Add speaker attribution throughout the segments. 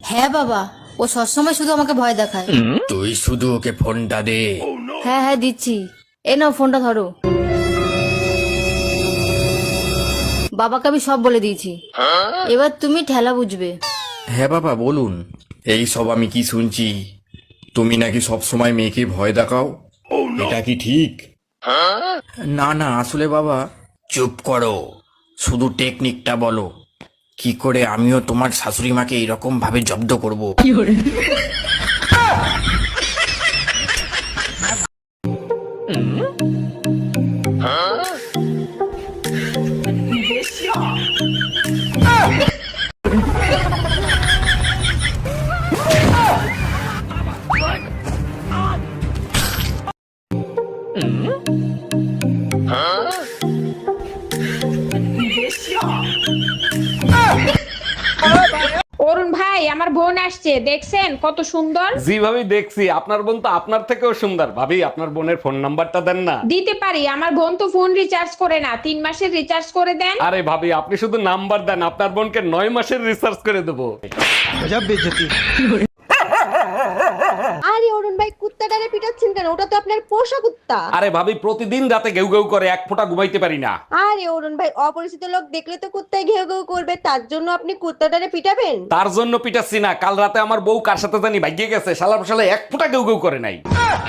Speaker 1: হ্যাঁ বাবা, ও সবসময় শুধু আমাকে ভয় দেখায়।
Speaker 2: তুই শুধু ওকে ফোনটা দে।
Speaker 1: হ্যাঁ হ্যাঁ দিচ্ছি। এ নাও ফোনটা ধরো। বাবাকে আমি সব বলে দিয়েছি, এবার তুমি ঠেলা বুঝবে।
Speaker 2: হ্যাঁ বাবা বলুন। এই সব আমি কি শুনছি? তুমি নাকি সব সময় মেয়েকে ভয় দেখাও, এটা কি ঠিক? না না, আসলে বাবা। চুপ করো, শুধু টেকনিকটা বলো, কি করে আমিও তোমার শাশুড়ি মাকে এইরকম ভাবে জব্দ করব।
Speaker 3: অরুণ ভাই, আমার বোন আসছে, দেখছেন কত সুন্দর?
Speaker 4: জি ভাবি দেখছি, আপনার বোন তো আপনার থেকেও সুন্দর। ভাবি আপনার বোনের ফোন নাম্বারটা দেন না।
Speaker 3: দিতে পারি, আমার বোন তো ফোন রিচার্জ করে না, 3 মাসের রিচার্জ করে দেন।
Speaker 4: আরে ভাবি আপনি শুধু নাম্বার দেন, আপনার বোনকে 9 মাসের রিসার্চ করে দেবো।
Speaker 5: আরে অরুণ ভাই, কুত্তাটারে পিটাচ্ছেন কেন? ওটা তো আপনার পোষা কুত্তা।
Speaker 4: আরে ভাবি প্রতিদিন রাতে গেউ গেউ করে, এক ফোঁটা ঘুমাইতে পারি না।
Speaker 5: আরে অরুণ ভাই, অপরিচিত লোক দেখলে তো কুত্তায় ঘেউ ঘেউ করবে, তার জন্য আপনি কুত্তাটারে পিটাবেন?
Speaker 4: তার জন্য পিটাচ্ছি না, কাল রাতে আমার বউ কার সাথে জানি ভাগিয়ে গেছে, শালার শালা এক ফোঁটা গেউ গেউ করে নাই।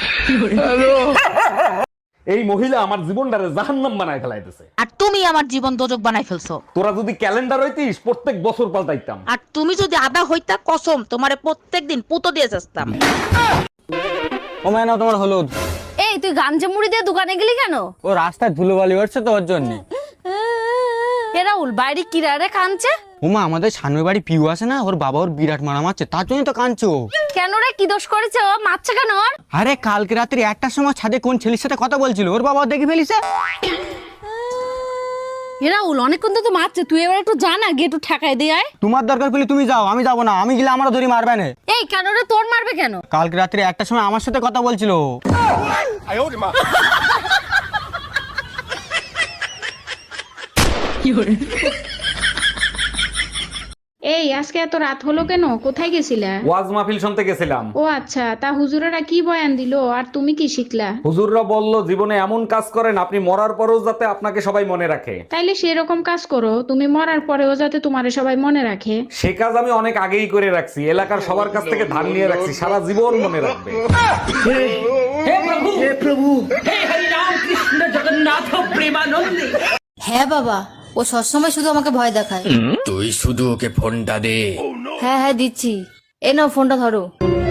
Speaker 4: এই মহিলা আমার জীবনটারে জাহান্নাম বানায় ফেলাইতেছে।
Speaker 6: আর তুমি আমার জীবন দোজক বানাই ফেলছো।
Speaker 4: তোরা যদি ক্যালেন্ডার হইতিস প্রত্যেক বছর পাল্টাইতাম।
Speaker 6: আর তুমি যদি আদা হইতা, কসম তোমারে প্রত্যেকদিন পুতো দিয়ে যাস্তাম।
Speaker 7: ও মায়না, তোমার হলুদ।
Speaker 1: এই তুই গামছা মুড়ি দিয়ে দোকানে গেলি কেন?
Speaker 7: ও রাস্তায় ধুলোবালি উঠছে তো ওর জন্য।
Speaker 1: এ রাহুল, বাইরে কিরারে কাঁদছে?
Speaker 7: ওমা, আমাদের সামনের বাড়ি পিউ আছে না, ওর বাবা ওর বিরাট মারা মারছে, তার জন্য তো কাঁদছে ও।
Speaker 1: কেন রে, কি দোষ করেছে ও? মারছে কেন ওর?
Speaker 7: আরে কালকে রাত্রি 1টার সময় ছাদে কোন ছেলের সাথে কথা বলছিল, ওর বাবা ওর দেখে ফেলিছে।
Speaker 1: এ রাহুল, অনেকক্ষণ তো মারছে, তুই এবার একটু জানা গিয়ে একটু ঠেকাই দিয়ে আয়।
Speaker 7: তোমার দরকার পেলে তুমি যাও, আমি যাবো না, আমি গেলে আমারও ধরি মারবে না।
Speaker 1: এই কেন রে, তোর মারবে কেন?
Speaker 7: কালকে রাত্রি 1টার সময় আমার সাথে কথা বলছিল ও।
Speaker 3: এই আজকে এত রাত হলো কেন? কোথায় গেছিলা?
Speaker 4: ওয়াজ মাহফিল শুনতে গেছিলাম।
Speaker 3: ও আচ্ছা, তা হুজুরেরা কি বয়ান দিলো আর তুমি কি শিখলা?
Speaker 4: হুজুররা বলল জীবনে এমন কাজ করেন আপনি মরার পরেও যাতে আপনাকে সবাই মনে রাখে।
Speaker 3: তাইলে সেরকম কাজ করো, তুমি মরার পরেও যাতে তোমারে সবাই মনে রাখে।
Speaker 4: সে কাজ আমি অনেক আগেই করে রাখছি, এলাকার সবার কাছ থেকে ধার নিয়ে রাখছি, সারা জীবন মনে রাখবে।
Speaker 1: হ্যাঁ বাবা, ও সবসময় শুধু আমাকে ভয় দেখায়।
Speaker 2: তুই শুধু ওকে ফোনটা দে।
Speaker 1: হ্যাঁ হ্যাঁ দিচ্ছি। এ নাও ফোনটা ধরো।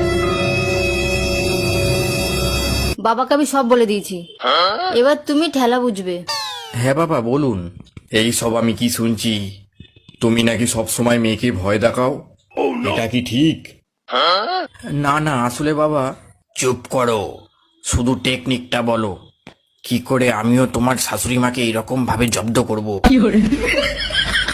Speaker 1: বাবাকে আমি সব বলে দিয়েছি, এবার তুমি ঠেলা বুঝবে।
Speaker 2: হ্যাঁ বাবা বলুন। এই সব আমি কি শুনছি? তুমি নাকি সব সময় মেয়েকে ভয় দেখাও, এটা কি ঠিক? না না, আসলে বাবা। চুপ করো, শুধু টেকনিকটা বলো, কি করে আমিও তোমার শাশুড়ি মাকে এইরকম ভাবে জব্দ করব।